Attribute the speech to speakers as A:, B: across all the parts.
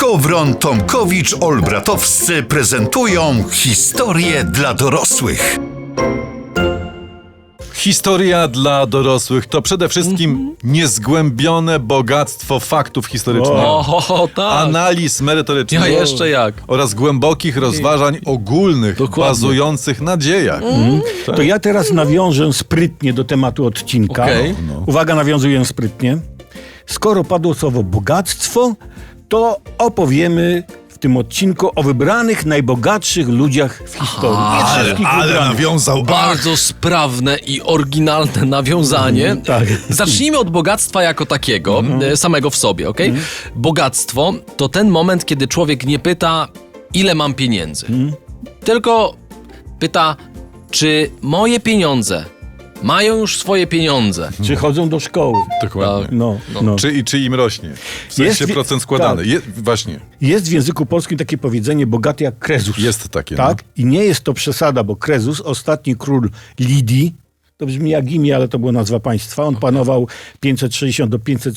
A: Gowron, Tomkowicz, Olbratowscy prezentują historię dla dorosłych.
B: Historia dla dorosłych to przede wszystkim niezgłębione bogactwo faktów historycznych,
C: tak.
B: analiz merytorycznych
C: Ja jeszcze jak.
B: oraz głębokich rozważań ogólnych,
C: Dokładnie.
B: bazujących na dziejach. Tak.
D: To ja teraz nawiążę sprytnie do tematu odcinka.
C: Okej.
D: Uwaga, nawiązuję sprytnie. Skoro padło słowo bogactwo, to opowiemy w tym odcinku o wybranych najbogatszych ludziach w historii. Nie wszystkich
B: Ale
D: wybranych.
B: nawiązał.
C: Bardzo sprawne i oryginalne nawiązanie.
D: tak.
C: Zacznijmy od bogactwa jako takiego, samego w sobie, okej? Bogactwo to ten moment, kiedy człowiek nie pyta, ile mam pieniędzy. Tylko pyta, czy moje pieniądze mają już swoje pieniądze.
D: Czy chodzą do szkoły?
B: Dokładnie.
D: No.
B: Czy im rośnie? W sensie
D: Jest-
B: procent składany.
D: tak.
B: Właśnie.
D: Jest w języku polskim takie powiedzenie bogaty jak Krezus.
B: Jest takie,
D: Tak? I nie jest to przesada, bo Krezus, ostatni król Lidii, to brzmi jak imię, ale to była nazwa państwa. On panował 560 do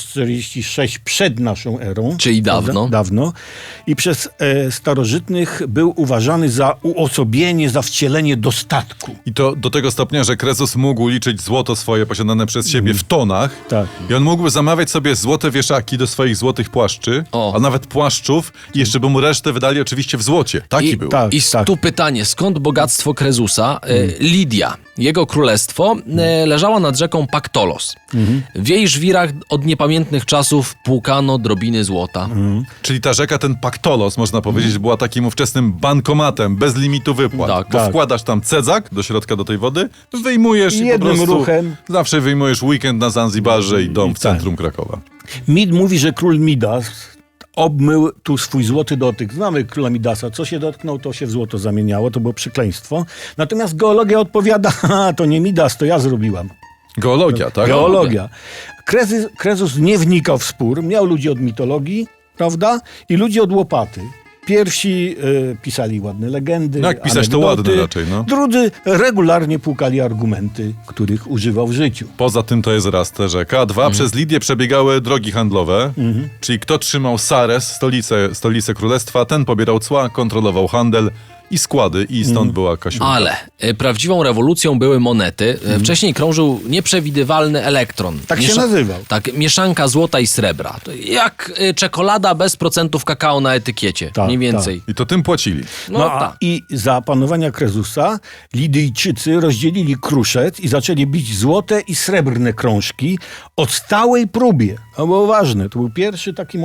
D: 546 przed naszą erą.
C: Czyli
D: Prawda?
C: dawno.
D: Dawno. I przez starożytnych był uważany za uosobienie, za wcielenie dostatku.
B: I to do tego stopnia, że Kresus mógł liczyć złoto swoje posiadane przez siebie w tonach.
D: Tak.
B: I on mógłby zamawiać sobie złote wieszaki do swoich złotych płaszczy,
C: O.
B: a nawet płaszczów, i jeszcze by mu resztę wydali oczywiście w złocie. Taki był.
D: tak.
C: I tu pytanie, skąd bogactwo Krezusa? Lidia, jego królestwo, leżała nad rzeką Paktolos. W jej żwirach od niepamiętnych czasów płukano drobiny złota.
B: Czyli ta rzeka, ten Paktolos, można powiedzieć, była takim ówczesnym bankomatem, bez limitu wypłat.
C: Tak.
B: Bo
D: Tak.
B: wkładasz tam cedzak do środka do tej wody, wyjmujesz i po
D: Jednym
B: prostu
D: ruchem.
B: zawsze wyjmujesz weekend na Zanzibarze i dom w
D: tak.
B: centrum Krakowa.
D: Mid mówi, że król Midas obmył tu swój złoty dotyk. Znamy króla Midasa. Co się dotknął, to się w złoto zamieniało. To było przekleństwo. Natomiast geologia odpowiada, to nie Midas, to ja zrobiłam.
B: Geologia, tak?
D: Geologia. Krezus nie wnikał w spór. Miał ludzi od mitologii, prawda? I ludzi od łopaty. Pierwsi pisali ładne legendy,
B: No jak pisać, to
D: anegdoty.
B: ładne raczej, no.
D: Drudzy regularnie płukali argumenty, których używał w życiu.
B: Poza tym to jest raz ta rzeka, a dwa, przez Lidię przebiegały drogi handlowe, czyli kto trzymał Sares, stolicę królestwa, ten pobierał cła, kontrolował handel i składy, i stąd była Kasiulka.
C: Ale prawdziwą rewolucją były monety. Wcześniej krążył nieprzewidywalny elektron.
D: Tak się nazywał.
C: Tak, mieszanka złota i srebra. To jak czekolada bez procentów kakao na etykiecie.
D: Tak,
C: mniej więcej.
B: I to tym płacili.
C: No,
D: a
C: tak.
D: i za panowania Krezusa Lidyjczycy rozdzielili Kruszec i zaczęli bić złote i srebrne krążki o stałej próbie. To było ważne. To był pierwszy taki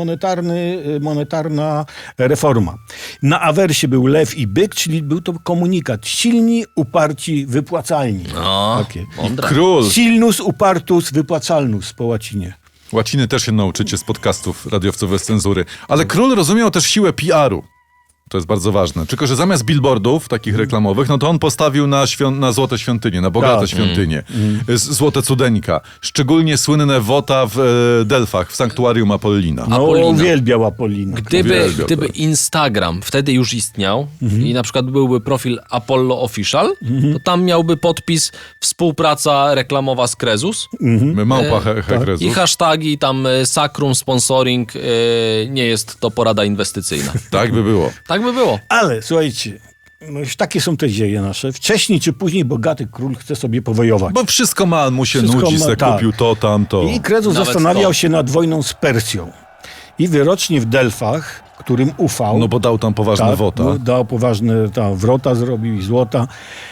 D: monetarna reforma. Na awersie był lew i byk, czyli był to komunikat. Silni, uparci, wypłacalni.
C: No,
D: Takie.
C: mądre.
B: Król.
D: Silnus, upartus, wypłacalnus po łacinie.
B: Łaciny też się nauczycie z podcastów radiowców bez cenzury. Ale król rozumiał też siłę PR-u. To jest bardzo ważne. Tylko że zamiast billboardów takich reklamowych, no to on postawił na złote świątynie, na bogate
D: Tak.
B: świątynie. Złote cudeńka. Szczególnie słynne wota w Delfach, w sanktuarium Apollina.
D: No,
C: Apollina.
D: uwielbiał Apollina.
B: Uwielbiał,
C: Gdyby
B: tak.
C: Instagram wtedy już istniał i na przykład byłby profil Apollo Official, to tam miałby podpis współpraca reklamowa z Krezus
B: Małpa Hekrezus.
C: i hashtagi tam Sacrum Sponsoring, nie jest to porada inwestycyjna.
B: Tak by było.
C: Tak by było.
D: Ale słuchajcie, no już takie są te dzieje nasze. Wcześniej czy później bogaty król chce sobie powojować.
B: Bo wszystko ma, mu się
D: Wszystko
B: nudzi,
D: ma,
B: se
D: tak.
B: kupił to, tamto.
D: I Krezus
C: Nawet
D: zastanawiał
C: to.
D: się nad wojną z Persją. I wyrocznie w Delfach, którym ufał,
B: No bo dał tam poważne wota.
D: bo dał poważne wrota, zrobił i złota.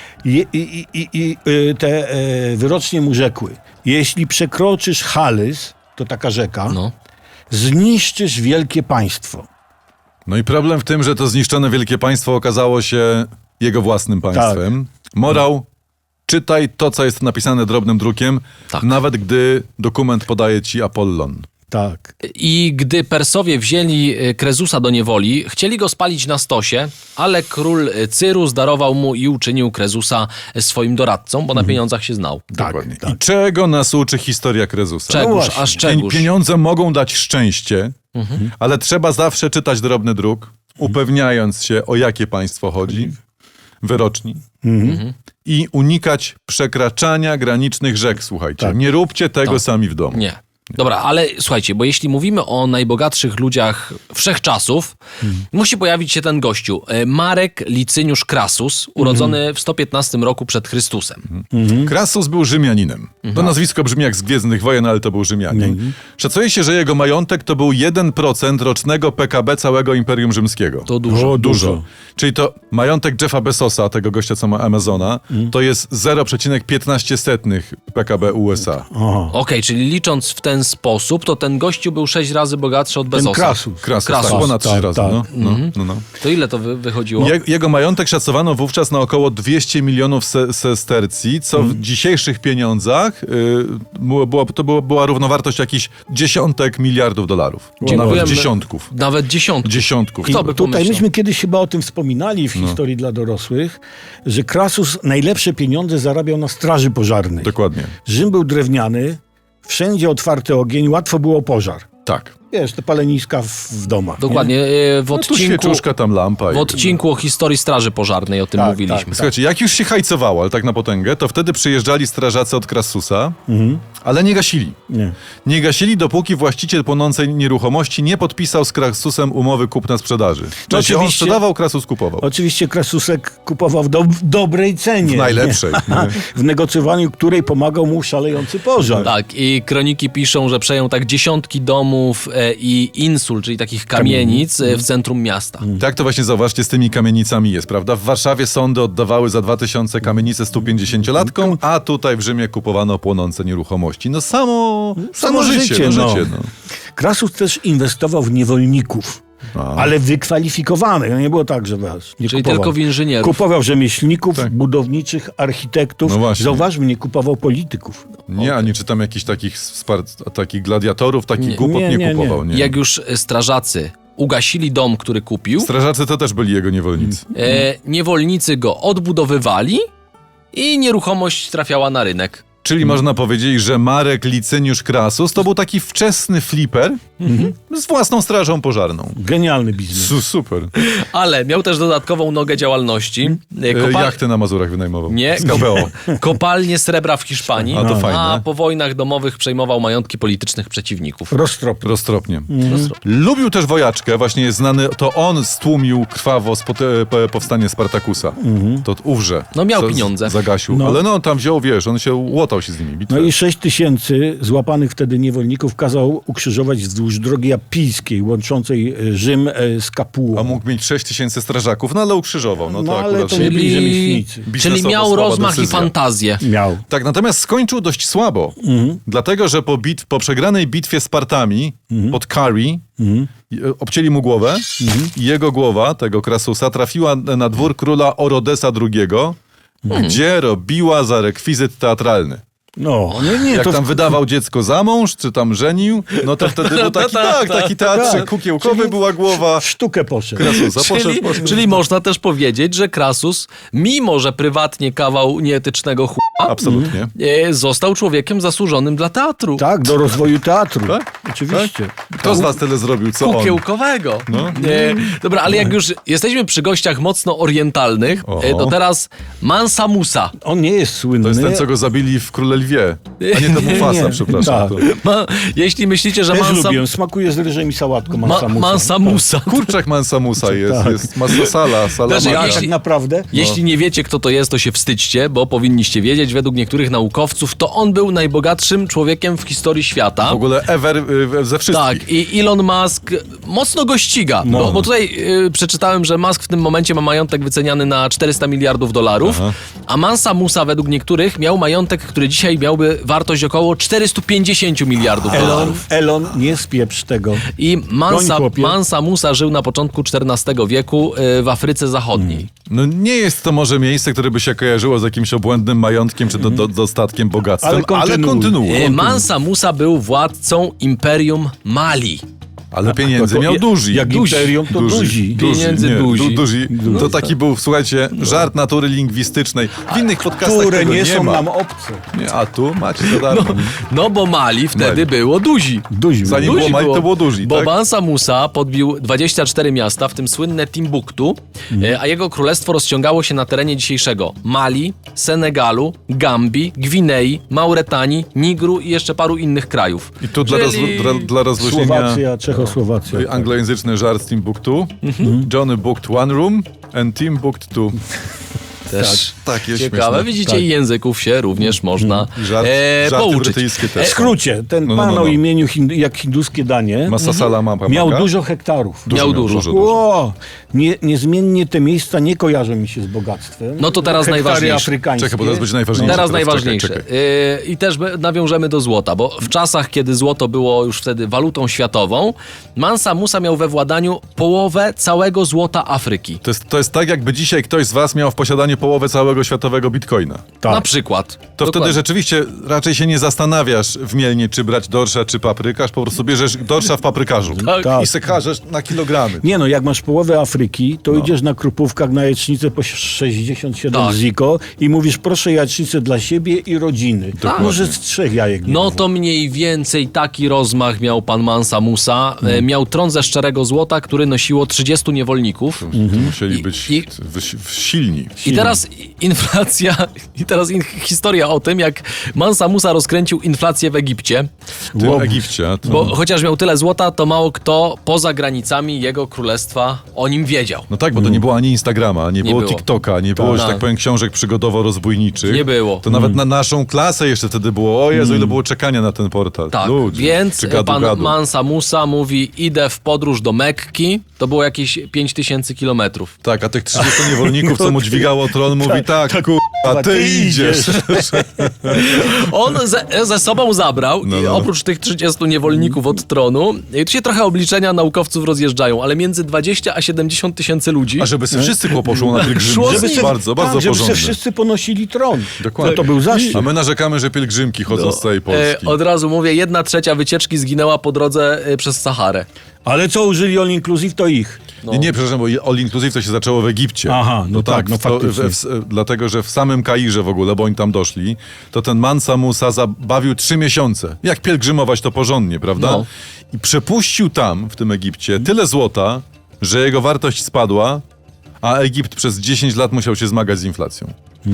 D: Te wyrocznie mu rzekły, jeśli przekroczysz Halys, to taka rzeka,
C: No.
D: zniszczysz wielkie państwo.
B: No i problem w tym, że to zniszczone wielkie państwo okazało się jego własnym państwem. Morał, czytaj to, co jest napisane drobnym drukiem,
C: Tak.
B: nawet gdy dokument podaje ci Apollon.
D: Tak.
C: I gdy Persowie wzięli Krezusa do niewoli, chcieli go spalić na stosie, ale król Cyrus darował mu i uczynił Krezusa swoim doradcą, bo na pieniądzach się znał.
B: Dokładnie. I czego nas uczy historia Krezusa?
C: Czegóż,
D: właśnie.
C: aż czegóż.
B: Pieniądze mogą dać szczęście, ale trzeba zawsze czytać drobny druk, upewniając się, o jakie państwo chodzi, wyroczni. I unikać przekraczania granicznych rzek, słuchajcie.
D: Tak.
B: Nie róbcie tego sami w domu.
C: Nie. Dobra, ale słuchajcie, bo jeśli mówimy o najbogatszych ludziach wszechczasów, musi pojawić się ten gościu. Marek Licyniusz Krasus, urodzony w 115 roku przed Chrystusem.
B: Krasus był Rzymianinem. To nazwisko brzmi jak z Gwiezdnych Wojen, ale to był Rzymianin. Szacuje się, że jego majątek to był 1% rocznego PKB całego Imperium Rzymskiego.
C: To dużo.
D: O,
B: Dużo. Czyli to majątek Jeffa Bezosa, tego gościa, co ma Amazona, to jest 0,15 PKB USA.
C: Okej, czyli licząc w ten sposób, to ten gościu był 6 razy bogatszy od
D: Ten
C: Bezosa.
D: Krasus.
B: Krasus,
C: Krasus.
B: tak, ponad 3
D: Tak,
B: razy.
D: tak.
B: No.
C: To ile to wychodziło?
B: Jego majątek szacowano wówczas na około 200 milionów sestercji, co w dzisiejszych pieniądzach była równowartość jakichś dziesiątek miliardów dolarów. Czy nawet
C: Dziękujemy.
B: dziesiątków.
C: Nawet dziesiątki.
B: Dziesiątków.
C: Kto by
D: Tutaj
C: pomyślał?
D: myśmy kiedyś chyba o tym wspominali w historii dla dorosłych, że Krasus najlepsze pieniądze zarabiał na straży pożarnej.
B: Dokładnie.
D: Rzym był drewniany, wszędzie otwarty ogień, łatwo było pożar.
B: Tak.
D: Wiesz, te paleniska w domach.
C: Dokładnie. W
B: Tu
C: odcinku,
B: świeczuszka, tam lampa.
C: w odcinku o historii Straży Pożarnej o tym
D: Tak,
C: mówiliśmy.
D: tak.
B: Słuchajcie, jak już się hajcowało, ale tak na potęgę, to wtedy przyjeżdżali strażacy od Krasusa, ale nie gasili.
D: Nie.
B: Nie gasili, dopóki właściciel płonącej nieruchomości nie podpisał z Krasusem umowy kupna-sprzedaży. Czyli on
D: oczywiście.
B: sprzedawał, Krasus kupował.
D: Oczywiście Krasusek kupował w dobrej cenie.
B: W najlepszej.
D: Nie? W negocjowaniu której pomagał mu szalejący pożar.
C: Tak, i kroniki piszą, że przejął tak dziesiątki domów i insul, czyli takich kamienic w centrum miasta.
B: Tak to właśnie zauważcie z tymi kamienicami jest, prawda? W Warszawie sądy oddawały za 2000 kamienicę 150-latkom, a tutaj w Rzymie kupowano płonące nieruchomości. No samo życie. No.
D: Krasus też inwestował w niewolników. Ale wykwalifikowanych. No nie było tak, że nie
C: Czyli
D: kupował.
C: tylko w inżynierów.
D: Kupował rzemieślników,
B: Tak.
D: budowniczych, architektów.
B: No właśnie.
D: Zauważmy, nie kupował polityków.
B: Nie, ani czytam jakichś takich gladiatorów, takich głupot nie kupował. Nie.
C: Jak już strażacy ugasili dom, który kupił,
B: Strażacy to też byli jego niewolnicy.
C: niewolnicy go odbudowywali i nieruchomość trafiała na rynek.
B: Czyli można powiedzieć, że Marek Licyniusz Krasus to był taki wczesny flipper z własną strażą pożarną.
D: Genialny biznes.
B: Super.
C: Ale miał też dodatkową nogę działalności.
B: Jachty na Mazurach wynajmował.
C: Nie,
B: Z KPO.
C: kopalnie srebra w Hiszpanii,
B: A, to fajne.
C: a po wojnach domowych przejmował majątki politycznych przeciwników.
B: Roztropnie. Lubił też wojaczkę, właśnie jest znany, to on stłumił krwawo powstanie Spartakusa. To ówrze.
C: No miał
B: co
C: pieniądze.
B: Zagasił.
D: No.
B: Ale no tam wziął, wiesz, on się łotał się z nimi. Bitwę.
D: No i 6 000 złapanych wtedy niewolników kazał ukrzyżować wzdłuż drogi apijskiej, łączącej Rzym z Kapuą.
B: A mógł mieć 6000 strażaków, no ale ukrzyżował. No to
D: No, ale
B: akurat
D: to nie byli
C: Czyli,
D: rzemieślnicy.
C: czyli
B: biznesowo
C: miał
B: słaba
C: rozmach i
B: decyzja.
C: fantazję.
D: Miał.
B: Tak, natomiast skończył dość słabo. Dlatego, że po przegranej bitwie z Partami pod Kari obcięli mu głowę i jego głowa, tego Krasusa, trafiła na dwór króla Orodesa II, gdzie robiła za rekwizyt teatralny.
D: No, nie,
B: Jak
D: to
B: tam wydawał dziecko za mąż, czy tam żenił, no to wtedy był taki teatrzyk
D: tak.
B: kukiełkowy,
D: Czyli
B: była głowa
D: w sztukę poszedł.
B: Krasusa.
C: Czyli można też powiedzieć, że Krasus, mimo że prywatnie kawał nieetycznego
B: Absolutnie.
C: został człowiekiem zasłużonym dla teatru.
D: Tak, do rozwoju teatru.
B: Tak?
D: Oczywiście.
B: Kto z was tyle zrobił, co on?
C: Kukiełkowego.
B: No.
C: Dobra, ale jak już jesteśmy przy gościach mocno orientalnych,
B: Oho.
C: to teraz Mansa Musa.
D: On nie jest słynny.
B: To jest ten, co go zabili w Króle Lwie, a nie to Mufasa,
D: Nie.
B: przepraszam.
D: Tak.
B: To...
C: Jeśli myślicie, że
D: Też
C: Mansa,
D: lubię. Smakuje z ryżem i sałatką Mansa Musa.
C: Mansa Musa.
B: Kurczak Mansa Musa jest,
D: Tak.
B: jest masa sala
C: Znaczy,
D: A
C: jeśli-
D: tak naprawdę?
C: Jeśli nie wiecie, kto to jest, to się wstydźcie, bo powinniście wiedzieć. Według niektórych naukowców to on był najbogatszym człowiekiem w historii świata.
B: W ogóle ever ze wszystkich.
C: Tak, i Elon Musk mocno go ściga, bo tutaj przeczytałem, że Musk w tym momencie ma majątek wyceniany na 400 miliardów dolarów, a Mansa Musa według niektórych miał majątek, który dzisiaj miałby wartość około 450 miliardów dolarów.
D: Elon, nie spieprz tego.
C: I
D: Goń, chłopie.
C: Mansa Musa żył na początku XIV wieku w Afryce Zachodniej.
B: No nie jest to może miejsce, które by się kojarzyło z jakimś obłędnym majątkiem czy dostatkiem, bogactwem,
D: Ale
B: ale
D: kontynuuj.
B: kontynuuj.
C: Mansa Musa był władcą Imperium Mali.
B: Ale pieniędzy miał duży.
D: Jak imperium, to duzi.
C: Pieniędzy duzi.
B: To taki był, słuchajcie, żart natury lingwistycznej. W innych podcastach
D: Które
B: tego
D: nie są
B: ma.
D: nam obce.
B: Nie, a tu macie za darmo.
C: No bo Mali wtedy
B: Mali.
C: było duzi.
D: Duzi.
B: Zanim
C: Duzi
B: było Mali, to było duzi,
C: Bo
B: tak?
C: Mansa Musa podbił 24 miasta, w tym słynne Timbuktu, a jego królestwo rozciągało się na terenie dzisiejszego Mali, Senegalu, Gambii, Gwinei, Mauretanii, Nigru i jeszcze paru innych krajów.
B: I tu
C: Czyli-
B: dla rozluźnienia
D: Słowacja, Czechosłowacja.
B: anglojęzyczny żart z Timbuktu. Johnny booked one room and Tim booked two.
C: Też
B: Takie
C: ciekawe.
B: śmieszne.
C: Widzicie, i języków się również można
B: I żarty
C: pouczyć.
B: brytyjskie też.
D: W skrócie, ten
B: No.
D: pan o imieniu jak hinduskie danie
B: Masasala mapa.
D: miał dużo hektarów.
C: Miał dużo.
D: O, niezmiennie te miejsca nie kojarzą mi się z bogactwem.
C: No to teraz
D: Hektary
C: najważniejsze.
D: afrykańskie.
B: Czekaj, bo teraz będzie najważniejsze.
C: Teraz
B: Czekaj,
C: najważniejsze.
B: czekaj.
C: I też nawiążemy do złota, bo w czasach, kiedy złoto było już wtedy walutą światową, Mansa Musa miał we władaniu połowę całego złota Afryki.
B: To jest tak, jakby dzisiaj ktoś z was miał w posiadaniu połowę całego światowego bitcoina.
D: Tak.
C: Na przykład.
B: To
C: Dokładnie.
B: wtedy rzeczywiście raczej się nie zastanawiasz w Mielnie, czy brać dorsza, czy paprykarz, po prostu bierzesz dorsza w paprykarzu.
C: Tak.
B: I se każesz na kilogramy.
D: Nie no, jak masz połowę Afryki, to idziesz na Krupówkach na jajecznicę po 67
C: Tak.
D: ziko i mówisz, proszę jajecznicę dla siebie i rodziny.
C: Tak.
D: Może z 3 jajek. nie
C: No
D: było.
C: to mniej więcej taki rozmach miał pan Mansa Musa. Miał tron ze szczerego złota, który nosiło 30 niewolników.
B: To musieli być
C: i-
B: silni.
C: I teraz inflacja, historia o tym, jak Mansa Musa rozkręcił inflację w Egipcie.
B: W tym Egipcie. To...
C: Bo chociaż miał tyle złota, to mało kto poza granicami jego królestwa o nim wiedział.
B: No tak, bo to nie było ani Instagrama, nie było
C: było.
B: TikToka, nie było, że
C: Tak.
B: tak powiem, książek przygodowo-rozbójniczych.
C: Nie było.
B: To nawet na naszą klasę jeszcze wtedy było, o Jezu, ile było czekania na ten portal.
C: Tak,
B: Ludzie,
C: więc
B: czy gadu,
C: pan
B: gadu.
C: Mansa Musa mówi, idę w podróż do Mekki. To było jakieś 5000 kilometrów.
B: Tak, a tych 30 niewolników, co mu dźwigało tron, mówi tak, kurwa, ty idziesz.
C: On ze sobą zabrał i
B: no.
C: oprócz tych 30 niewolników od tronu, i tu się trochę obliczenia naukowców rozjeżdżają, ale między 20 a 70 tysięcy ludzi.
B: A żeby sobie wszyscy poszło na
C: Szło
B: pielgrzymkę,
C: z
B: to
C: nim.
B: jest bardzo, bardzo
D: tak, żeby sobie
B: porządne.
D: wszyscy ponosili tron.
B: Dokładnie.
D: To był zaszczyt.
B: A my narzekamy, że pielgrzymki chodzą z całej Polski.
C: Od razu mówię, 1/3 wycieczki zginęła po drodze przez Saharę.
D: Ale co użyli all inclusive, to ich.
B: Nie, przepraszam, bo All Inclusive to się zaczęło w Egipcie.
D: Aha, no tak, no faktycznie.
B: Dlatego, że w samym Kairze w ogóle, bo oni tam doszli, to ten Mansa Musa zabawił 3 miesiące. Jak pielgrzymować to porządnie, prawda?
C: No.
B: I przepuścił tam, w tym Egipcie, tyle złota, że jego wartość spadła, a Egipt przez 10 lat musiał się zmagać z inflacją.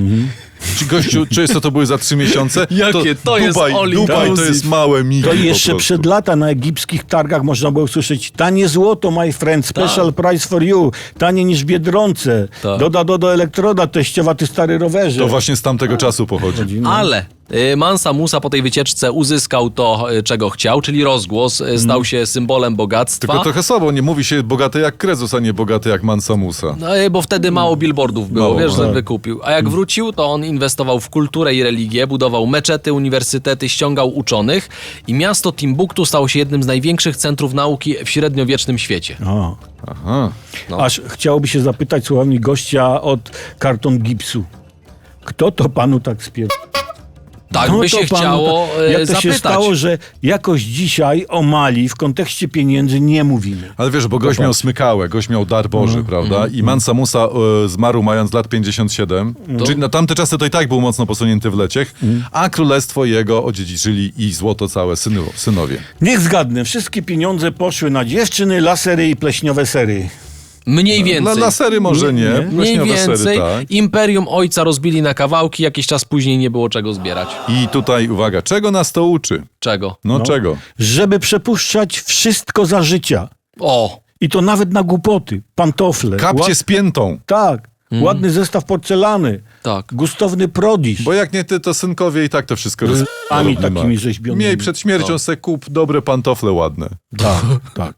B: Czy gościu, co to były za 3 miesiące?
C: Jakie to jest all
B: Dubaj to
C: inclusive.
B: jest małe migi.
D: To
B: po
D: jeszcze
B: prostu.
D: przed lata na egipskich targach można było usłyszeć tanie złoto, my friend, special price for you, tanie niż w Biedronce.
C: Tak.
D: Doda elektroda, teściowa, ty stary rowerze.
B: To właśnie z tamtego czasu pochodzi.
C: Ale Mansa Musa po tej wycieczce uzyskał to, czego chciał, czyli rozgłos, stał się symbolem bogactwa.
B: Tylko trochę słabo, nie mówi się bogaty jak Krezus, a nie bogaty jak Mansa Musa.
C: No, bo wtedy mało billboardów było,
B: Mało,
C: wiesz, że
B: tak.
C: wykupił. A jak wrócił, to on inwestował w kulturę i religię, budował meczety, uniwersytety, ściągał uczonych i miasto Timbuktu stało się jednym z największych centrów nauki w średniowiecznym świecie.
D: O.
B: Aha.
D: Aż chciałoby się zapytać słowami gościa od karton gipsu. Kto to panu tak spier...
C: Tak
D: No
C: by
D: to
C: się
D: panu
C: chciało
D: jak to
C: zapytać.
D: się stało, że jakoś dzisiaj o Mali w kontekście pieniędzy nie mówimy.
B: Ale wiesz, bo gość miał smykałę, gość miał dar Boży, prawda? I Mansa Musa zmarł mając lat 57, czyli na tamte czasy to i tak był mocno posunięty w leciech, a królestwo jego odziedziczyli i złoto całe synowie.
D: Niech zgadnę, wszystkie pieniądze poszły na dziewczyny, lasery i pleśniowe sery.
C: Mniej więcej.
B: Dla sery może nie,
C: Mniej
B: pleśniowe
C: więcej.
B: sery, tak.
C: Imperium ojca rozbili na kawałki, jakiś czas później nie było czego zbierać.
B: I tutaj uwaga, czego nas to uczy?
C: Czego?
B: No czego?
D: Żeby przepuszczać wszystko za życia.
C: O!
D: I to nawet na głupoty, pantofle.
B: Kapcie z piętą.
D: Tak, ładny zestaw porcelany,
C: Tak.
D: gustowny prodisz.
B: Bo jak nie ty, to synkowie i tak to wszystko
D: Ami takimi rzeźbionymi.
B: Miej przed śmiercią se kup dobre pantofle ładne.
D: Tak, tak.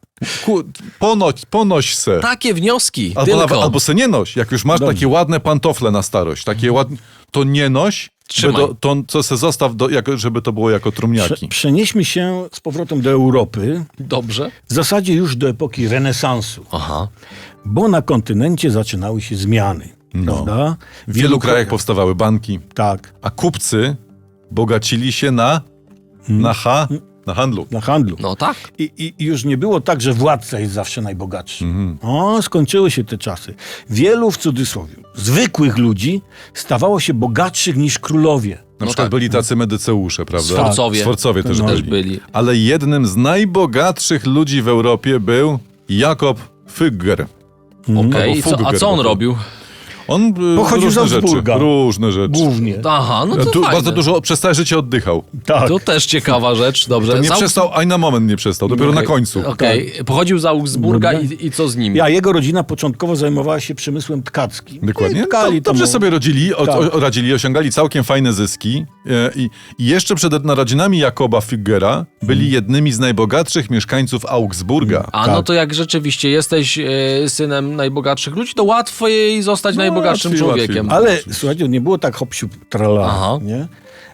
B: Ponoś se.
C: Takie wnioski,
B: Albo, albo se nie noś. Jak już masz takie ładne pantofle na starość, takie ładne, to nie noś,
C: Trzymaj.
B: to co se zostaw, żeby to było jako trumniaki.
D: Przenieśmy się z powrotem do Europy,
C: Dobrze.
D: w zasadzie już do epoki renesansu,
C: Aha.
D: bo na kontynencie zaczynały się zmiany. Prawda?
B: W wielu krajach powstawały banki,
D: Tak.
B: a kupcy bogacili się na Na handlu.
D: Na handlu.
C: No tak.
D: I już nie było tak, że władca jest zawsze najbogatszy. O, skończyły się te czasy. Wielu, w cudzysłowie, zwykłych ludzi stawało się bogatszych niż królowie.
B: Na przykład byli tacy medyceusze, prawda?
C: Sforcowie.
B: Sforcowie też
C: Też
B: byli.
C: byli.
B: Ale jednym z najbogatszych ludzi w Europie był Jakob Fugger.
C: Okej,
B: Albo
C: a
B: Fugger,
C: co on
B: bo-
C: robił?
B: On
D: Pochodził z Augsburga.
B: Różne rzeczy.
D: Głównie.
C: Aha, no to
B: Tu
C: fajne.
B: bardzo dużo przez całe życie oddychał.
D: Tak.
C: To też ciekawa rzecz, dobrze.
B: To nie
C: Z
B: przestał, ani na moment nie przestał, dopiero na końcu.
C: Okej, pochodził z Augsburga i co z nim?
D: A jego rodzina początkowo zajmowała się przemysłem tkackim.
B: Dokładnie.
D: I tkali
B: Dobrze
D: tam-
B: sobie radzili, osiągali całkiem fajne zyski i jeszcze przed narodzinami Jakoba Fuggera byli jednymi z najbogatszych mieszkańców Augsburga.
C: A no to jak rzeczywiście jesteś synem najbogatszych ludzi, to łatwiej zostać najbogatszym
B: łatwiej,
C: człowiekiem.
D: Ale słuchajcie, nie było tak hop-siup, trala,
C: Aha.
D: nie?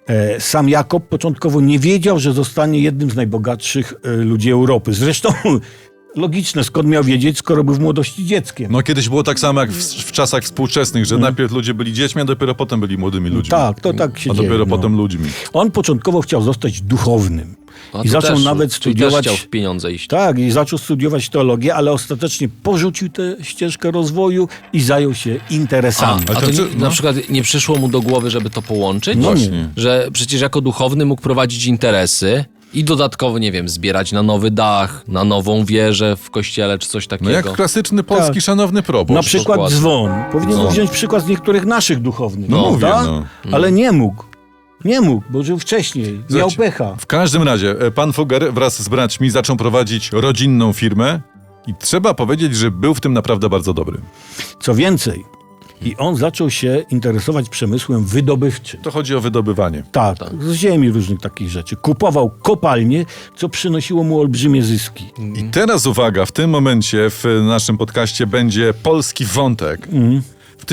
D: Sam Jakob początkowo nie wiedział, że zostanie jednym z najbogatszych ludzi Europy. Zresztą logiczne, skąd miał wiedzieć, skoro był w młodości dzieckiem.
B: No kiedyś było tak samo jak w czasach współczesnych, że najpierw ludzie byli dziećmi, a dopiero potem byli młodymi ludźmi.
D: Tak, to tak się
B: A
D: dzieje.
B: dopiero
D: no.
B: potem ludźmi.
D: On początkowo chciał zostać duchownym.
C: A
D: I
C: to
D: zaczął
C: też,
D: nawet
C: czyli też
D: studiować...
C: chciał w pieniądze iść.
D: Tak, i zaczął studiować teologię, ale ostatecznie porzucił tę ścieżkę rozwoju i zajął się interesami.
C: A
B: to
C: to
B: czy-
C: na przykład nie przyszło mu do głowy, żeby to połączyć?
D: No nie.
B: Właśnie.
C: Że przecież jako duchowny mógł prowadzić interesy i dodatkowo, nie wiem, zbierać na nowy dach, na nową wieżę w kościele czy coś
B: No
C: takiego.
B: jak klasyczny polski
D: Tak.
B: szanowny proboszcz.
D: Na przykład
C: dokładnie.
D: dzwon. Powinien
B: No.
D: wziąć przykład z niektórych naszych duchownych.
B: No mówię,
D: prawda?
B: no.
D: Ale nie mógł. Nie mógł, bo żył wcześniej. Miał
B: Słuchajcie,
D: pecha.
B: W każdym razie, pan Fugger wraz z braćmi zaczął prowadzić rodzinną firmę i trzeba powiedzieć, że był w tym naprawdę bardzo dobry.
D: Co więcej, i on zaczął się interesować przemysłem wydobywczym.
B: To chodzi o wydobywanie.
D: Tak, z ziemi różnych takich rzeczy. Kupował kopalnie, co przynosiło mu olbrzymie zyski.
B: I teraz uwaga, w tym momencie w naszym podcaście będzie polski wątek. W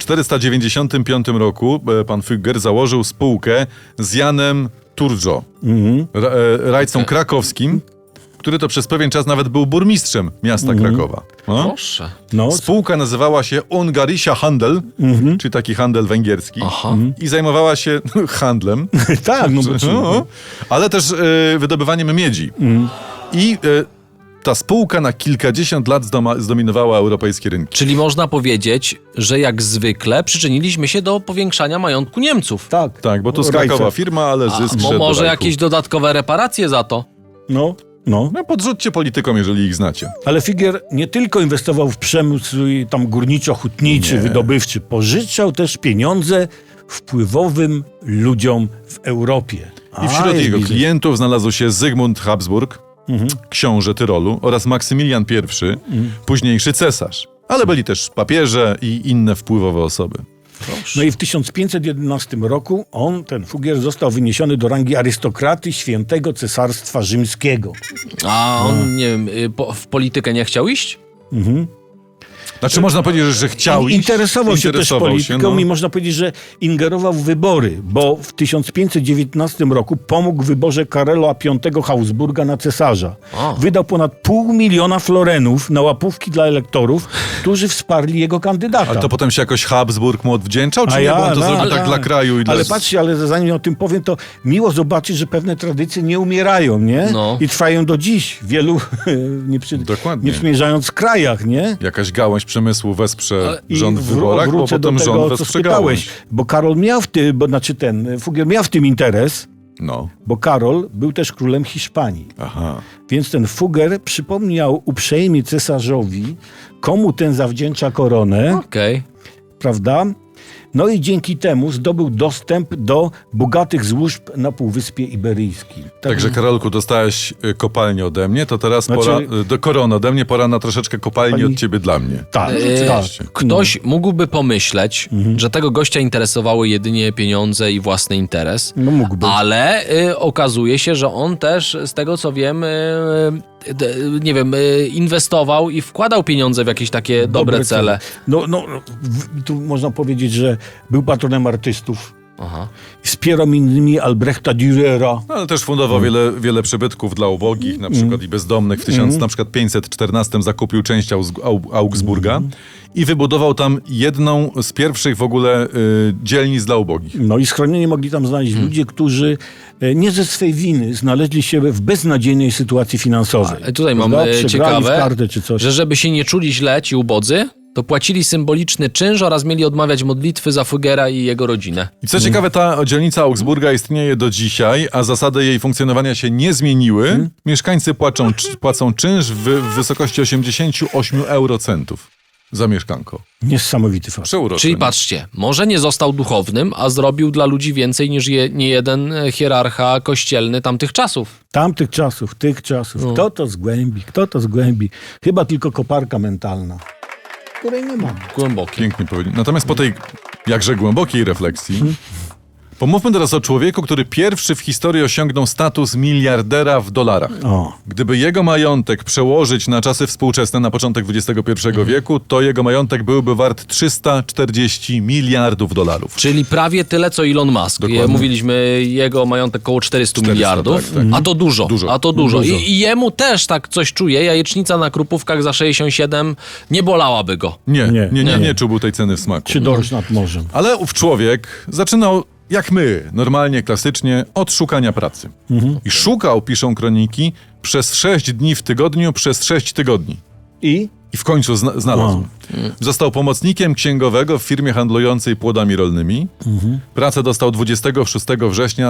B: 1495 roku pan Fugger założył spółkę z Janem Turdzo, rajcą krakowskim, który to przez pewien czas nawet był burmistrzem miasta Krakowa. No?
C: Proszę.
D: No,
B: Spółka nazywała się Ungarischer Handel, czyli taki handel węgierski.
C: Aha.
B: I zajmowała się handlem,
D: tak, no bo
B: no, ale też wydobywaniem miedzi. I ta spółka na kilkadziesiąt lat zdominowała europejskie rynki.
C: Czyli można powiedzieć, że jak zwykle przyczyniliśmy się do powiększania majątku Niemców.
D: tak.
B: Tak, bo to z
D: Rajce.
B: Krakowa firma, ale zysk
C: Bo
B: szedł do
C: może
B: Rajku.
C: jakieś dodatkowe reparacje za to?
D: No.
B: No podrzućcie politykom, jeżeli ich znacie.
D: Ale Fugger nie tylko inwestował w przemysł tam górniczo-hutniczy, wydobywczy, pożyczał też pieniądze wpływowym ludziom w Europie.
B: I wśród
D: jest
B: jego
D: biznes.
B: klientów znalazł się Zygmunt Habsburg, książę Tyrolu oraz Maksymilian I, późniejszy cesarz. Ale byli też papieże i inne wpływowe osoby.
D: No i w 1511 roku ten Fugger został wyniesiony do rangi arystokraty Świętego Cesarstwa Rzymskiego.
C: A on, nie wiem, w politykę nie chciał iść?
B: Znaczy można powiedzieć, że chciał iść.
D: Interesował się też polityką
B: no.
D: i można powiedzieć, że ingerował w wybory, bo w 1519 roku pomógł w wyborze Karola V Habsburga na cesarza.
C: O.
D: Wydał ponad 500 000 florenów na łapówki dla elektorów, którzy wsparli jego kandydata.
B: Ale to potem się jakoś Habsburg mu odwdzięczał, czy nie? Bo on to zrobił tak dla kraju i dla...
D: Ale patrzcie, ale zanim o tym powiem, to miło zobaczyć, że pewne tradycje nie umierają, nie?
C: No.
D: I trwają do dziś w wielu
B: Dokładnie.
D: nie przymierzając krajach, nie?
B: Jakaś gałąź przemysłu wesprze
D: I
B: rząd w wyborach, bo
D: wrócę
B: potem
D: do tego,
B: rząd
D: co
B: wesprze
D: spytałeś,
B: gałąź.
D: bo Karol miał Fugger miał w tym interes,
B: No,
D: bo Karol był też królem Hiszpanii.
B: aha.
D: Więc ten Fugger przypomniał uprzejmie cesarzowi, komu ten zawdzięcza koronę,
C: Okej.
D: prawda? No i dzięki temu zdobył dostęp do bogatych złóż na Półwyspie Iberyjskim.
B: Także Karolku, dostałeś kopalnię ode mnie, to teraz
D: Znaczy-
B: pora, do korony ode mnie, pora na troszeczkę kopalni
D: Pani-
B: od ciebie dla mnie.
D: Tak, tak.
C: Ktoś mógłby pomyśleć, że tego gościa interesowały jedynie pieniądze i własny interes.
D: No mógłby.
C: Ale okazuje się, że on też, z tego co wiem, nie wiem, inwestował i wkładał pieniądze w jakieś takie dobre cele.
D: No, tu można powiedzieć, że był patronem artystów.
C: Aha.
D: Wspierał m.in. Albrechta Dürera.
B: No, ale też fundował wiele przybytków dla ubogich, na przykład i bezdomnych. W 1514 zakupił część Augsburga i wybudował tam jedną z pierwszych w ogóle dzielnic dla ubogich.
D: No i schronienie mogli tam znaleźć ludzie, którzy nie ze swej winy znaleźli się w beznadziejnej sytuacji finansowej.
C: Tutaj mam
D: Prawda? Przegrali
C: ciekawe,
D: w kartę czy coś.
C: że żeby się nie czuli źle ci ubodzy, to płacili symboliczny czynsz oraz mieli odmawiać modlitwy za Fugera i jego rodzinę.
B: I co ciekawe, ta dzielnica Augsburga istnieje do dzisiaj, a zasady jej funkcjonowania się nie zmieniły. Mieszkańcy płacą czynsz w wysokości 88 eurocentów za mieszkanko.
D: Niesamowity fakt.
B: Przeurocze.
C: Czyli patrzcie, może nie został duchownym, a zrobił dla ludzi więcej niż nie jeden hierarcha kościelny tamtych czasów.
D: Tamtych czasów, tych czasów. Kto to zgłębi? Chyba tylko koparka mentalna, której nie mamy.
C: Głębokie.
B: Pięknie powiedział. Natomiast po tej jakże głębokiej refleksji, pomówmy teraz o człowieku, który pierwszy w historii osiągnął status miliardera w dolarach.
D: O.
B: Gdyby jego majątek przełożyć na czasy współczesne, na początek XXI wieku, to jego majątek byłby wart 340 miliardów dolarów.
C: Czyli prawie tyle, co Elon Musk.
B: Dokładnie.
C: Mówiliśmy, jego majątek około 400 miliardów,
B: tak.
C: a to dużo.
B: Dużo.
C: A to dużo. I jemu też tak coś czuje. Jajecznica na Krupówkach za 67 nie bolałaby go.
B: Nie czułby tej ceny w smaku.
D: Czy dorsz nad morzem.
B: Ale ów człowiek zaczynał, jak my, normalnie, klasycznie, od szukania pracy. I szukał, piszą kroniki, przez 6 dni w tygodniu, przez 6 tygodni.
D: I
B: I w końcu znalazł. Został pomocnikiem księgowego w firmie handlującej płodami rolnymi. Pracę dostał 26 września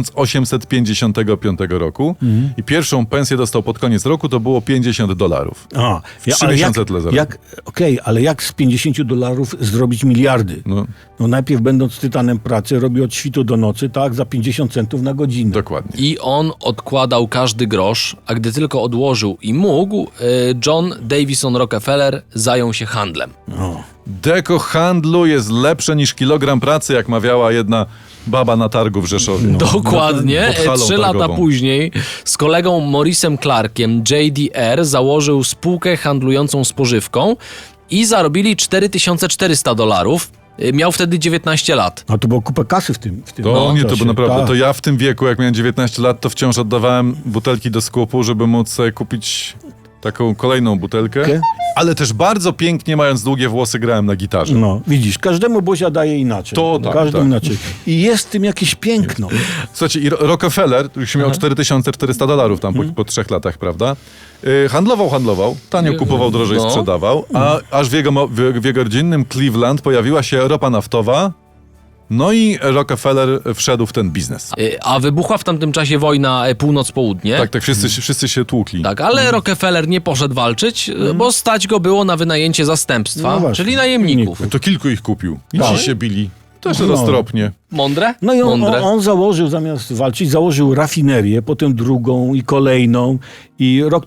B: 1855 roku i pierwszą pensję dostał pod koniec roku, to było $50.
D: A,
B: 3 miesiące tyle zarobił.
D: ale jak z $50 zrobić miliardy?
B: No,
D: No najpierw będąc tytanem pracy, robi od świtu do nocy, tak, za 50 centów na godzinę.
B: dokładnie.
C: I on odkładał każdy grosz, a gdy tylko odłożył i mógł, John Davison Rockefeller zajął się handlem.
D: O.
B: Deko handlu jest lepsze niż kilogram pracy, jak mawiała jedna baba na targu w Rzeszowie.
C: Dokładnie.
B: Pod halą
C: 3 lata
B: targową.
C: później z kolegą Maurice'em Clarkiem JDR założył spółkę handlującą spożywką i zarobili $4400. Miał wtedy 19 lat.
D: A to było kupę kasy w tym
B: To nie, to
D: czasie.
B: było naprawdę.
D: Tak.
B: To ja w tym wieku, jak miałem 19 lat, to wciąż oddawałem butelki do sklepu, żeby móc sobie kupić taką kolejną butelkę.
D: Okej.
B: Ale też bardzo pięknie, mając długie włosy, grałem na gitarze.
D: No, widzisz, każdemu Bozia daje inaczej.
B: To tak,
D: Każdemu
B: tak.
D: inaczej. I jest w tym jakieś piękno.
B: Słuchajcie, i Rockefeller, który się miał $4400 tam po 3 latach, prawda? Handlował, tanio kupował, drożej
C: No.
B: sprzedawał, a aż w jego rodzinnym Cleveland pojawiła się ropa naftowa, no i Rockefeller wszedł w ten biznes.
C: A wybuchła w tamtym czasie wojna północ-południe.
B: Tak, wszyscy się tłukli.
C: Tak, ale Rockefeller nie poszedł walczyć, bo stać go było na wynajęcie zastępstwa,
D: No właśnie.
C: czyli najemników.
B: To kilku ich kupił. I
D: Tak.
B: ci się bili. Też
D: No.
B: roztropnie.
C: Mądre?
D: No i
C: Mądre.
D: on założył, zamiast walczyć, założył rafinerię, potem drugą i kolejną. I rok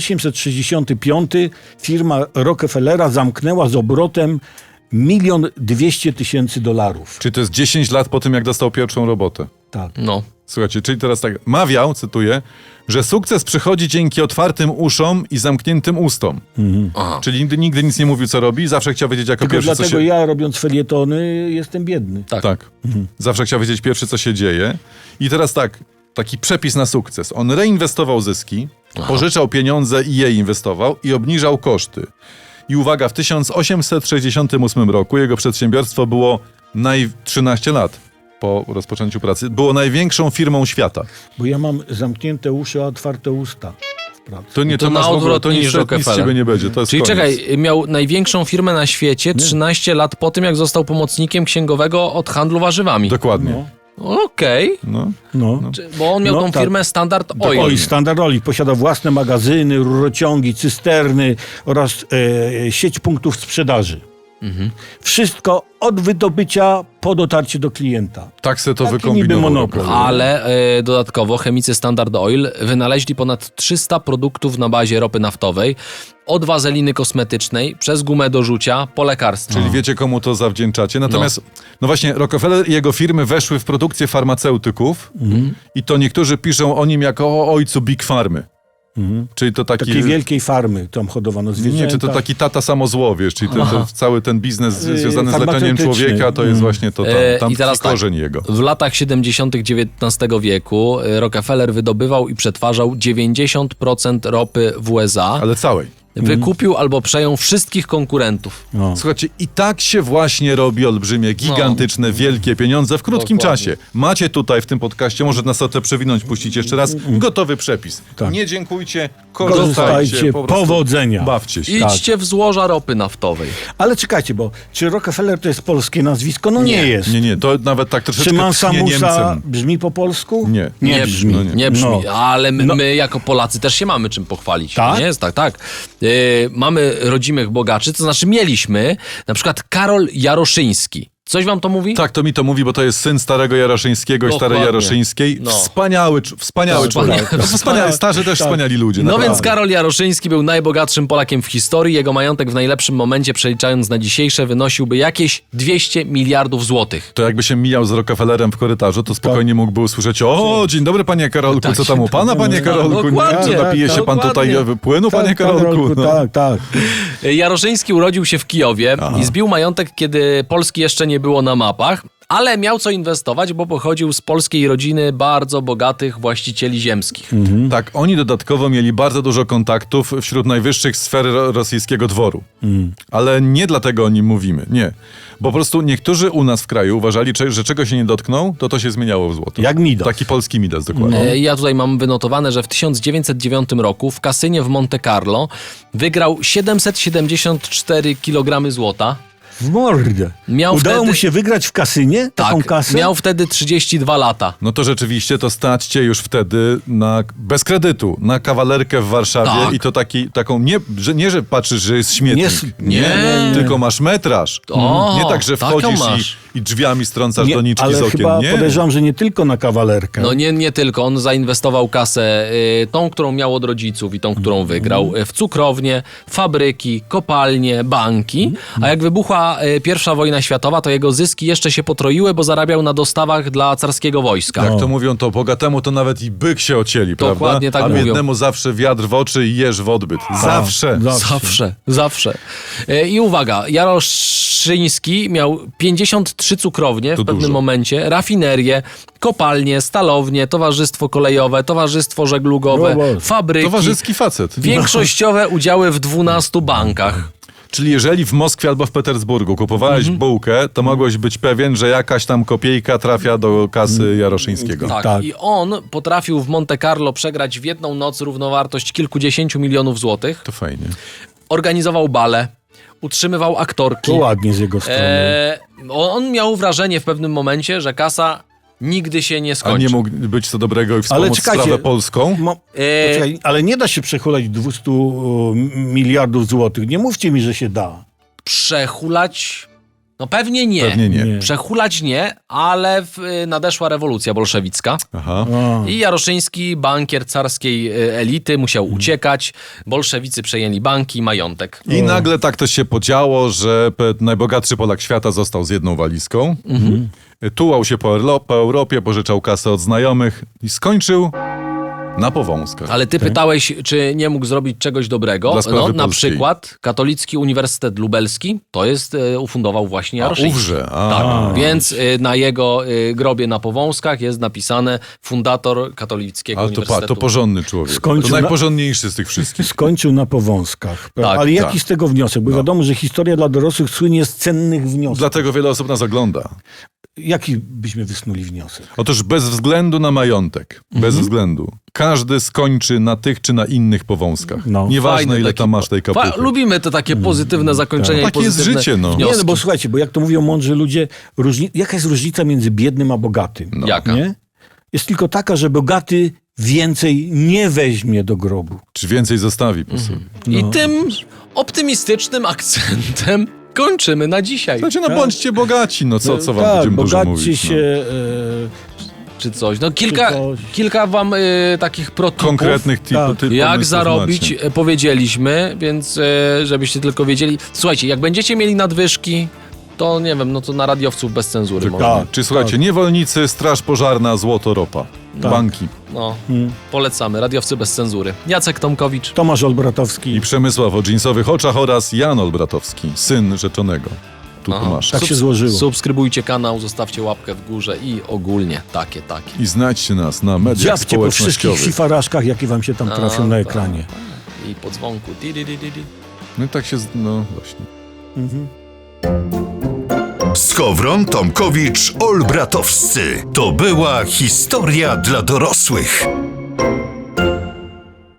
D: 1865 firma Rockefellera zamknęła z obrotem $1,200,000.
B: Czy to jest 10 lat po tym, jak dostał pierwszą robotę?
D: Tak.
C: No.
B: Słuchajcie, czyli teraz tak, mawiał, cytuję, że sukces przychodzi dzięki otwartym uszom i zamkniętym ustom.
C: Aha.
B: Czyli nigdy nic nie mówił, co robi, zawsze chciał wiedzieć jako
D: Tylko
B: pierwszy, co
D: dlatego
B: się...
D: ja, robiąc felietony, jestem biedny.
B: Tak. Zawsze chciał wiedzieć pierwszy, co się dzieje. I teraz tak, taki przepis na sukces. On reinwestował zyski, pożyczał pieniądze i je inwestował i obniżał koszty. I uwaga, w 1868 roku jego przedsiębiorstwo było 13 lat po rozpoczęciu pracy. Było największą firmą świata.
D: Bo ja mam zamknięte uszy, a otwarte usta w pracy.
B: To nie,
C: To
B: to
C: na
B: masz w ogóle,
C: odwrót
B: to
C: niż
B: nic z
C: Rockefeller.
B: ciebie nie będzie. To jest
C: Czyli
B: koniec.
C: czekaj, miał największą firmę na świecie 13 lat po tym, jak został pomocnikiem księgowego od handlu warzywami.
B: Dokładnie.
C: Okej.
B: No.
D: No.
C: Bo on miał
D: No
C: tą
D: tak.
C: firmę Standard Oil.
D: Oj, Standard Oil posiada własne magazyny, rurociągi, cysterny oraz sieć punktów sprzedaży. Wszystko od wydobycia po dotarcie do klienta.
B: Tak se to
D: Taki niby
B: wykombinował.
D: monopol.
B: Rockefeller.
C: Ale dodatkowo chemicy Standard Oil wynaleźli ponad 300 produktów na bazie ropy naftowej, od wazeliny kosmetycznej, przez gumę do rzucia, po lekarstwa.
B: Czyli wiecie, komu to zawdzięczacie. Natomiast, no właśnie, Rockefeller i jego firmy weszły w produkcję farmaceutyków i to niektórzy piszą o nim jako o ojcu Big Farmy. Czyli to taki...
D: Takiej wielkiej farmy tam hodowano zwierzęta.
B: Nie, czy to taki tata samozłowiesz, czyli cały ten biznes związany z leczeniem
D: farmaceutyczny.
B: człowieka, to jest właśnie to tam
C: I teraz
B: korzeń jego.
C: W latach 70. XIX wieku Rockefeller wydobywał i przetwarzał 90% ropy w USA.
B: Ale całej.
C: Wykupił albo przejął wszystkich konkurentów.
D: No.
B: Słuchajcie, i tak się właśnie robi olbrzymie, gigantyczne, wielkie pieniądze w krótkim
C: Dokładnie.
B: czasie. Macie tutaj w tym podcaście, może nas o to przewinąć, puścić jeszcze raz, gotowy przepis.
D: Tak.
B: Nie dziękujcie,
D: Korzystajcie,
B: korzystajcie, po prostu
D: powodzenia.
B: bawcie się.
C: Idźcie w złoża ropy naftowej.
D: Ale czekajcie, bo czy Rockefeller to jest polskie nazwisko? No nie jest.
B: Nie, to nawet tak troszeczkę
D: Czy
B: tchnie
D: Mansa
B: Niemcem.
D: brzmi po polsku?
B: Nie.
D: Nie brzmi.
B: No nie.
C: Nie brzmi,
D: No.
C: ale my jako Polacy też się mamy czym pochwalić.
D: Tak?
C: Nie jest tak. Mamy rodzimych bogaczy, to znaczy mieliśmy na przykład Karol Jaroszyński. Coś wam to mówi?
B: Tak, to mi to mówi, bo to jest syn starego Jaroszyńskiego i starej
C: Dokładnie.
B: Jaroszyńskiej.
C: No.
B: Wspaniały człowiek.
C: Tak.
B: Wspaniały, starzy też wspaniali ludzie.
C: No
B: naprawdę.
C: więc Karol Jaroszyński był najbogatszym Polakiem w historii. Jego majątek w najlepszym momencie, przeliczając na dzisiejsze, wynosiłby jakieś 200 miliardów złotych.
B: To jakby się mijał z Rockefellerem w korytarzu, to spokojnie mógłby usłyszeć: o, dzień dobry panie Karolku, co tam u pana, panie Karolku?
C: Dokładnie.
B: Nie, napije się pan tutaj
C: Dokładnie.
B: płynu, panie Karolku? No.
D: Tak.
C: Jaroszyński urodził się w Kijowie i zbił majątek, kiedy Polski jeszcze nie było na mapach. Ale miał co inwestować, bo pochodził z polskiej rodziny bardzo bogatych właścicieli ziemskich.
B: Tak, oni dodatkowo mieli bardzo dużo kontaktów wśród najwyższych sfer rosyjskiego dworu. Ale nie dlatego o nim mówimy, nie. Bo po prostu niektórzy u nas w kraju uważali, że czego się nie dotkną, to się zmieniało w złoto.
D: Jak Midas.
B: Taki polski Midas, dokładnie.
C: Ja tutaj mam wynotowane, że w 1909 roku w kasynie w Monte Carlo wygrał 774 kg złota.
D: W mordę.
C: Miał
D: Udało
C: wtedy-
D: mu się wygrać w kasynie taką
C: Tak,
D: kasę?
C: miał wtedy 32 lata.
B: No to rzeczywiście to stać cię już wtedy bez kredytu na kawalerkę w Warszawie
C: Tak.
B: i to taką, nie, że patrzysz, że jest śmietnik.
C: Nie.
B: Tylko masz metraż.
C: O,
B: Nie tak, że
C: taką
B: wchodzisz
C: masz.
B: i drzwiami strącasz
D: Nie,
B: doniczki
D: ale
B: z okien.
D: chyba
B: Nie.
D: podejrzewam, że nie tylko na kawalerkę.
C: No nie tylko, on zainwestował kasę, tą, którą miał od rodziców i tą, którą wygrał, w cukrownie, fabryki, kopalnie, banki, a jak wybuchła pierwsza wojna światowa, to jego zyski jeszcze się potroiły, bo zarabiał na dostawach dla carskiego wojska.
B: Jak to mówią, to bogatemu to nawet i byk się ocieli,
C: Dokładnie
B: prawda?
C: tak
B: A
C: mówią.
B: biednemu zawsze wiatr w oczy i jeż w odbyt. Zawsze.
C: Zawsze. I uwaga, Jaroszyński miał 53 cukrownie
B: To
C: w pewnym
B: dużo.
C: momencie, rafinerie, kopalnie, stalownie, towarzystwo kolejowe, towarzystwo żeglugowe,
D: No Boże.
C: fabryki,
B: Towarzyski facet.
C: większościowe udziały w 12 bankach.
B: Czyli jeżeli w Moskwie albo w Petersburgu kupowałeś bułkę, to mogłeś być pewien, że jakaś tam kopiejka trafia do kasy Jaroszyńskiego.
C: Tak.
D: Tak.
C: I on potrafił w Monte Carlo przegrać w jedną noc równowartość kilkudziesięciu milionów złotych.
B: To fajnie.
C: Organizował bale, utrzymywał aktorki.
D: To ładnie z jego strony.
C: On miał wrażenie w pewnym momencie, że kasa nigdy się nie
B: A
C: skończy.
B: nie mógł być co dobrego i
D: Ale
B: wspomóc
D: czekajcie,
B: sprawę polską?
D: Poczekaj, ale nie da się przechulać 200 miliardów złotych. Nie mówcie mi, że się da.
C: Przehulać? No pewnie nie.
B: Pewnie nie.
D: Nie.
C: Przehulać nie, ale nadeszła rewolucja bolszewicka.
B: Aha.
C: I Jaroszyński, bankier carskiej elity, musiał uciekać. Bolszewicy przejęli banki i majątek.
B: I nagle tak to się podziało, że najbogatszy Polak świata został z jedną walizką. Tułał się po Europie, pożyczał kasę od znajomych i skończył na Powązkach.
C: Ale ty pytałeś, czy nie mógł zrobić czegoś dobrego.
B: Dla sprawy
C: No, na
B: polskiej.
C: przykład Katolicki Uniwersytet Lubelski, to jest, ufundował właśnie Jaroszyński.
B: Ówrze.
C: Tak, więc na jego grobie na Powązkach jest napisane fundator Katolickiego
B: Ale to
C: Uniwersytetu.
B: porządny człowiek.
D: Skończył
B: To
D: na-
B: najporządniejszy z tych wszystkich.
D: Skończył na Powązkach.
C: Tak,
D: Ale jaki
B: tak.
D: z tego wniosek? Bo wiadomo, że historia dla dorosłych słynie z cennych wniosków.
B: Dlatego wiele osób nas ogląda.
D: Jaki byśmy wysnuli wniosek?
B: Otóż bez względu na majątek, bez względu, każdy skończy na tych czy na innych powązkach.
D: No.
B: Nieważne,
C: Fajny
B: ile
C: taki
B: tam masz tej kapuchy.
C: Lubimy te takie pozytywne zakończenia i
B: Takie jest
C: pozytywne
B: życie, no.
C: wnioski.
D: Nie, no bo słuchajcie, bo jak to mówią mądrzy ludzie, jaka jest różnica między biednym a bogatym?
C: Jaka?
D: Nie? Jest tylko taka, że bogaty więcej nie weźmie do grobu.
B: Czy więcej zostawi po sobie.
C: I tym optymistycznym akcentem kończymy na dzisiaj.
B: Słuchajcie, no bądźcie bogaci, no co wam
D: Tak,
B: będziemy dużo
D: bogaćcie
B: mówić.
D: się...
C: Czy coś. No
D: coś.
C: kilka wam takich protipów.
B: Konkretnych
D: Tak.
B: typów
C: Jak zarobić, powiedzieliśmy, więc żebyście tylko wiedzieli. Słuchajcie, jak będziecie mieli nadwyżki, to nie wiem, no to na radiowców bez cenzury. może.
D: Tak.
B: Czy słuchajcie, niewolnicy, straż pożarna, złoto, ropa. Banki.
C: No, polecamy. Radiowcy bez cenzury. Jacek Tomkowicz.
D: Tomasz Olbratowski.
B: I Przemysław o dżinsowych oczach oraz Jan Olbratowski, syn rzeczonego. Tu masz.
D: Tak się złożyło.
C: Subskrybujcie kanał, zostawcie łapkę w górze i ogólnie takie.
B: I znajdźcie nas na mediach
D: Dziabcie po wszystkich
B: społecznościowych.
D: fifaraszkach, jakie wam się tam trafią na ekranie.
C: I po dzwonku.
B: No i tak się, no właśnie.
A: Skowron, Tomkowicz, Olbratowscy. To była historia dla dorosłych.